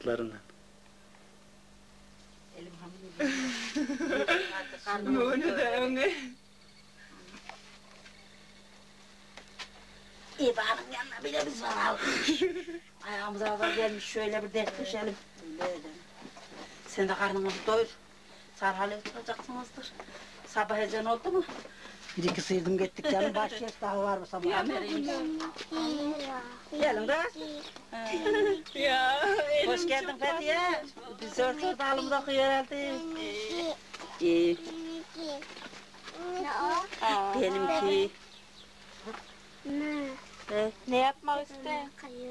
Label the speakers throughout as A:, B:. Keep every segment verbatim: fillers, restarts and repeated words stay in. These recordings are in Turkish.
A: Bacaklarından.
B: Elim hamile.
C: Bunu da öyle.
B: İyi bahanın yanına bile biz var abi. Ayağımıza da gelmiş şöyle bir dertleşelim. Sen de karnını doyur. Sarhalı oturacaksınızdır. Sabah ezan oldu mu? Bir iki sıyırdım gittik canım. Baş yer daha var mı sabah? Gelin kız.
C: Ya
B: Hoş geldin Fethiye. Biz ortada dalımda okuyor herhalde. İyi. Benimki.
D: Ne?
B: Ne?
C: ne yapmak iste?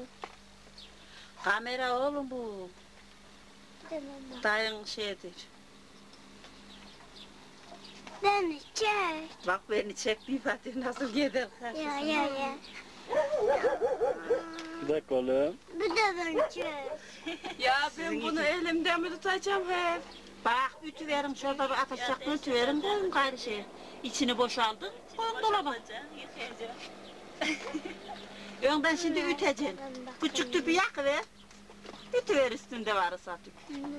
B: Kamera oğlum bu. Dayın şeydir.
D: Beni çek.
B: Bak beni çek bir Fatih nasıl gider karşısına.
D: Ya ya ya.
A: Bir dakika oğlum.
D: Bu da beni çek.
C: Ya ben bunu elimden mi tutacağım hep?
B: Bak ütü verin şurada bir atacak ütü verin koyun gayrı şey. İçini boşaldın koyun dolaba. Önden şimdi üteceksin. Küçük tüpü yakıver. Ütü ver üstünde varsa tüp.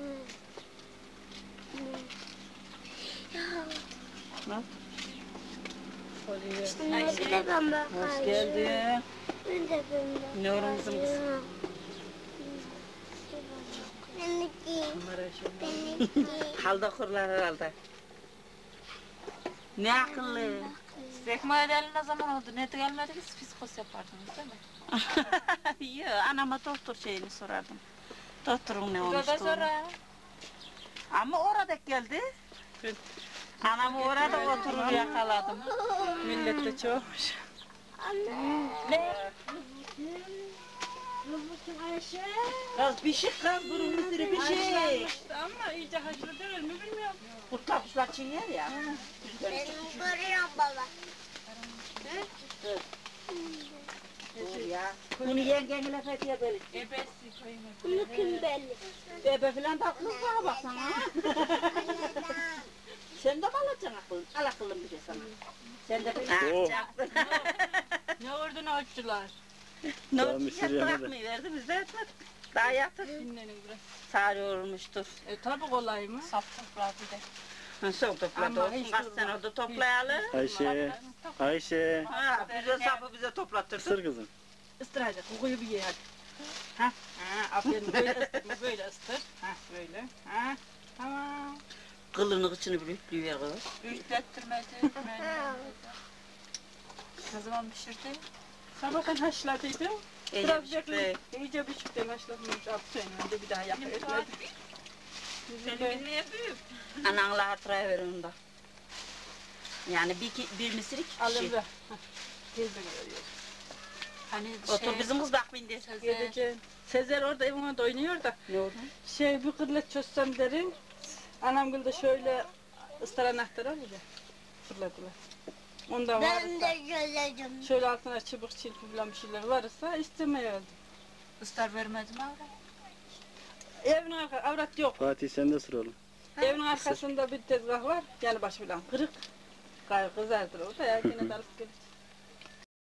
B: Bak.
D: Ayşe. De ben bakayım.
B: Hoş geldin.
D: Ben de ben bakayım.
B: Nurumuzun kızı.
D: Benimki. Benimki.
B: Halda kurlar herhalde. Ne akıllı.
C: Zekma edeli ne zaman oldu? Ne gelmediniz? Fiskos yapardınız değil mi?
B: Yok, anama doktor şeyini sorardım. Doktorun ne olmuştu?
C: Burada sonra.
B: Ama orada geldi. Anamı orada oturur yakaladım.
C: Millet de çoğumuş.
D: Anne.
C: Ne?
D: Ayşe.
B: Kız pişik kız, burun mısırı pişik.
C: Ama iyice haşladı mı bilmiyorum.
B: Kurtlar kuşlar çiğner ya.
D: Benim görüyorum baba.
B: Dur ya. Bunu yengenle Fethiye böyle.
C: Ebesi koyayım.
D: Bunu kim belli?
B: Bebe filan da kız bana baksana. Sen de mi alacaksın aklın? Al aklın bir şey sana. Sen de bir
A: Oh.
B: alacaksın.
C: Ne ordunu açtılar?
B: Ne
A: Daha
B: oldu?
A: mısır
B: Yat
A: yemedi.
B: bırakmayı verdi biz de etmedik. Daha yatır.
C: Dinlenin biraz.
B: Sarıyormuştur.
C: E tabi kolay mı? Saf toprağı bir de.
B: Ha, son topladı
C: Ama
B: olsun.
C: hiç
B: Kaç
C: durma.
B: sene oldu toplayalım.
A: Ayşe. Ayşe.
B: Ha, bize sapı bize toplattırdın.
A: Isır kızım.
C: Istıracak. Kokuyu bir ye hadi. Ha, ha, aferin. Böyle ısıtma, böyle ısıtır. Ha, böyle. Ha, tamam.
B: Kılını kıçını bir üflüyor kız.
C: Ürklettirmedi. Ne zaman pişirdi? Sabahtan haşladıydım.
B: İyice
C: Biraz
B: pişikti.
C: bekle. İyice pişikten haşlamış. Altı sene önce bir daha yapıyor.
B: Senin ne büyük? Ananla hatıraya ver onu da. Yani bir, ki- bir misir iki kişi.
C: Alın ver. Teyzene veriyor.
E: Hani
B: Otur bizim kız bak bindi.
C: Gideceğim. Sezer orada evin önünde oynuyor da.
B: Ne oldu?
C: Şey bir kırlet çözsem derim. Anam gül de şöyle ıstar anahtarı alıyor. Fırladılar. Onda
D: Ben
C: varsa,
D: de göreceğim.
C: şöyle altına çubuk çilpi falan bir şeyler varsa istemeye aldım.
E: ıstar vermedim abi.
C: Evin arka, avrat yok.
A: Fatih sen de sır oğlum.
C: Evin arkasında bir tezgah var. Yani başı falan kırık. Gayrı kızardır o da ya yine de alıp gelir.